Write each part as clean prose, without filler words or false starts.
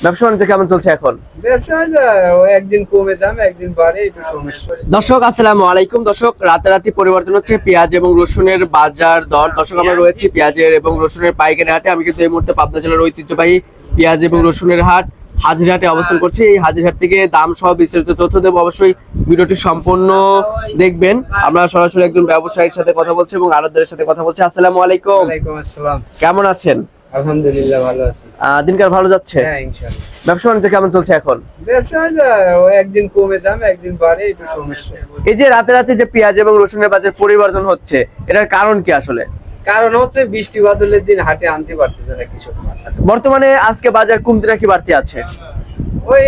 ব্যবসা বাণিজ্য কেমন চলছে এখন? ব্যবসা একদিন কমে দাম একদিন বাড়ে, একটু সমস্যা। দর্শক আসসালামু আলাইকুম। দর্শক রাতারাতি পরিবর্তন হচ্ছে পেঁয়াজ এবং রসুনের বাজার দর। দর্শক আমরা রয়েছি পেঁয়াজের এবং রসুনের পাইকারি হাটে। আমি কিন্তু এই মুহূর্তে পাবনা জেলার ঐতিহ্যবাহী পেঁয়াজ এবং রসুনের হাট হাজিরহাটে অবস্থান করছি। এই হাজিরহাট থেকে দাম সহ বিস্তারিত তথ্য দেবো, অবশ্যই ভিডিওটি সম্পূর্ণ দেখবেন। আমরা সরাসরি একজন ব্যবসায়ীর সাথে কথা বলছি এবং আড়তদারের সাথে কথা বলছি। আসসালামু আলাইকুম। ওয়ালাইকুম আসসালাম। কেমন আছেন? আলহামদুলিল্লাহ ভালো আছি। দিনকাল ভালো যাচ্ছে? হ্যাঁ ইনশাআল্লাহ। ব্যবসা বাণিজ্য কেমন চলছে এখন? ব্যবসা একদিন কমে দাম একদিন বাড়ে, একটু সমস্যা। এই যে রাতে যে পেঁয়াজ এবং রসুনের বাজার পরিবর্তন হচ্ছে, এটার কারণ কি আসলে? কারণ হচ্ছে বৃষ্টি বাদলের দিন হাটে আনতে পারতেছে না কৃষক। বর্তমানে আজকে বাজার কমতি নাকি বাড়তি আছে? ওই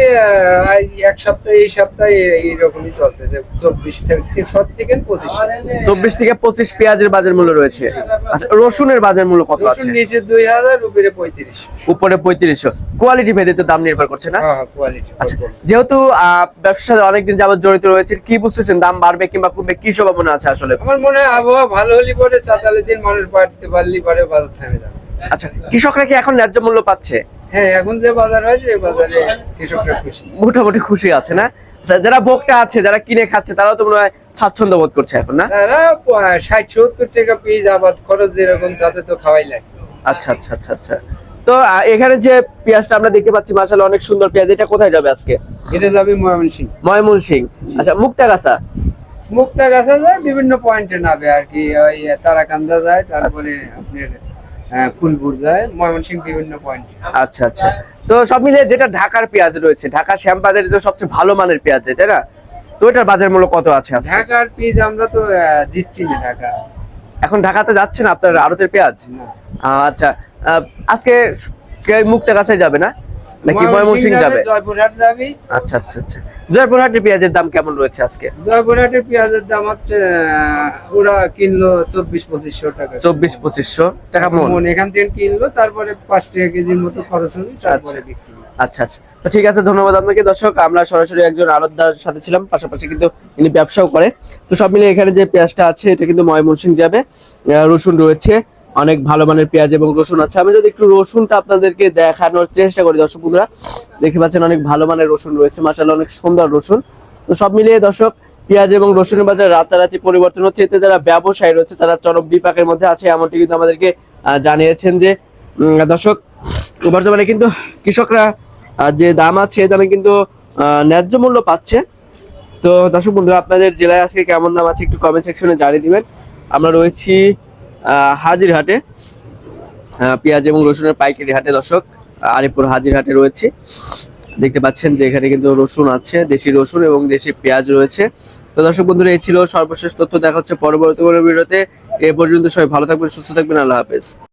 এক সপ্তাহে এই সপ্তাহে এইরকমই চলতেছে, 24 থেকে 25। 24 থেকে 25 পেঁয়াজের বাজার মূল্য রয়েছে। আচ্ছা, রসুনের বাজার মূল্য কত আছে? রসুন নিচে 2000, উপরে 35। উপরে 3500। কোয়ালিটি ভেদে তো দাম নির্ভর করছে না? হ্যাঁ কোয়ালিটি। আচ্ছা, যেহেতু ব্যবসার সাথে অনেকদিন যাবত জড়িত রয়েছে, কি বুঝতেছেন দাম বাড়বে কিংবা কমবে, কি সম্ভাবনা আছে আসলে? আমার মনে হয় আবহাওয়া ভালো হলে পরে চাতালের দিন মানুষ বাড়তে পারলে পরে বাজার থেমে যাবে। আচ্ছা, কৃষকরা কি এখন ন্যায্য মূল্য পাচ্ছে? হ্যাঁ এখন যে বাজার হয়েছে এই বাজারে কৃষকরা খুশি, মোটামুটি খুশি আছে না? আচ্ছা, যারা ভোক্তা আছে, যারা কিনে খাচ্ছে, তারাও তো মনে হয় স্বাচ্ছন্দ্য বোধ করছে এখন, না? তারা 60-70 টাকা পিস আবাদ খরচ যেরকম তাতে তো খাওয়াই লাগে। আচ্ছা আচ্ছা আচ্ছা আচ্ছা। তো এখানে যে পেঁয়াজটা আমরা দেখতে পাচ্ছি, মাশাআল্লাহ অনেক সুন্দর পেঁয়াজ। এটা কোথায় যাবে আজকে? এটা যাবে ময়মনসিংহ। ময়মনসিংহ। আচ্ছা, মুক্তাগাছা। মুক্তাগাছা যায় বিভিন্ন পয়েন্টে নাবে আর কি, ওই তারাকান্দা যায়, তারপরে আপনার ফুলপুর যায়, ময়মনসিংহ বিভিন্ন পয়েন্টে। আচ্ছা আচ্ছা। তো সব মিলিয়ে যেটা ঢাকার পেঁয়াজ রয়েছে, ঢাকা শ্যামবাজারে তো সবচেয়ে ভালো মানের পেঁয়াজ, তাই না? তো এটার বাজার মূল্য কত আছে আজকে? ঢাকার পিস আমরা তো দিচ্ছি না ঢাকা। এখন ঢাকাতে যাচ্ছে না আপনার আড়তের পেঁয়াজ? না। আচ্ছা, আজকে মুক্তাগাছায় যাবে না নাকি ময়মনসিংহ যাবে? জয়পুরহাট যাবে। আচ্ছা আচ্ছা আচ্ছা। জয়পুরহাটের পেঁয়াজের দাম কেমন রয়েছে আজকে? জয়পুরহাটের পেঁয়াজের দাম হচ্ছে ওরা কিনলো 24-2500 টাকা। 24-2500 টাকা মন। এখান থেকে কিনলো, তারপরে 5 টাকা কেজির মতো খরচ হবে, তারপরে বিক্রি। আচ্ছা আচ্ছা। তো ঠিক আছে, ধন্যবাদ আপনাকে। দর্শক আমরা সরাসরি একজন আড়তদার সাথে ছিলাম, পাশাপাশি কিন্তু ইনি ব্যবসাও করে। তো সব মিলিয়ে এখানে যে পেঁয়াজটা আছে এটা কিন্তু ময়মনসিংহ যাবে। রসুন রয়েছে, অনেক ভালো মানের পেঁয়াজ এবং রসুন আছে। আমি যদি একটু রসুনটা আপনাদেরকে দেখানোর চেষ্টা করি, দর্শক বন্ধুরা দেখতে পাচ্ছেন অনেক ভালো মানের রসুন রয়েছে, মাশাআল্লাহ অনেক সুন্দর রসুন। তো সব মিলিয়ে দর্শক পেঁয়াজ এবং রসুনের বাজার রাতারাতি পরিবর্তন হচ্ছে। এতে যারা ব্যবসায়ী রয়েছে তারা চরম বিপাকের মধ্যে আছে, এমনটি কিন্তু আমাদেরকে জানিয়েছেন যে দর্শক বর্তমানে কিন্তু কৃষকরা যে দাম আছে দামে কিন্তু ন্যায্য মূল্য পাচ্ছে। তো দর্শক বন্ধুরা আপনাদের জেলায় আজকে কেমন দাম আছে একটু কমেন্ট সেকশনে জানিয়ে দিবেন। আমরা রয়েছি হাজিরহাটে, পেঁয়াজ এবং রসুনের পাইকারি হাটে। দর্শক আরিপুর হাজিরহাটে রয়েছে, দেখতে পাচ্ছেন যে এখানে কিন্তু রসুন আছে, দেশি রসুন এবং দেশি পেঁয়াজ রয়েছে। তো দর্শক বন্ধুরা এই ছিল সর্বশেষ তথ্য। দেখা হচ্ছে পরবর্তী কোনো ভিডিওতে। এ পর্যন্ত সবাই ভালো থাকবেন, সুস্থ থাকবেন। আল্লাহ হাফেজ।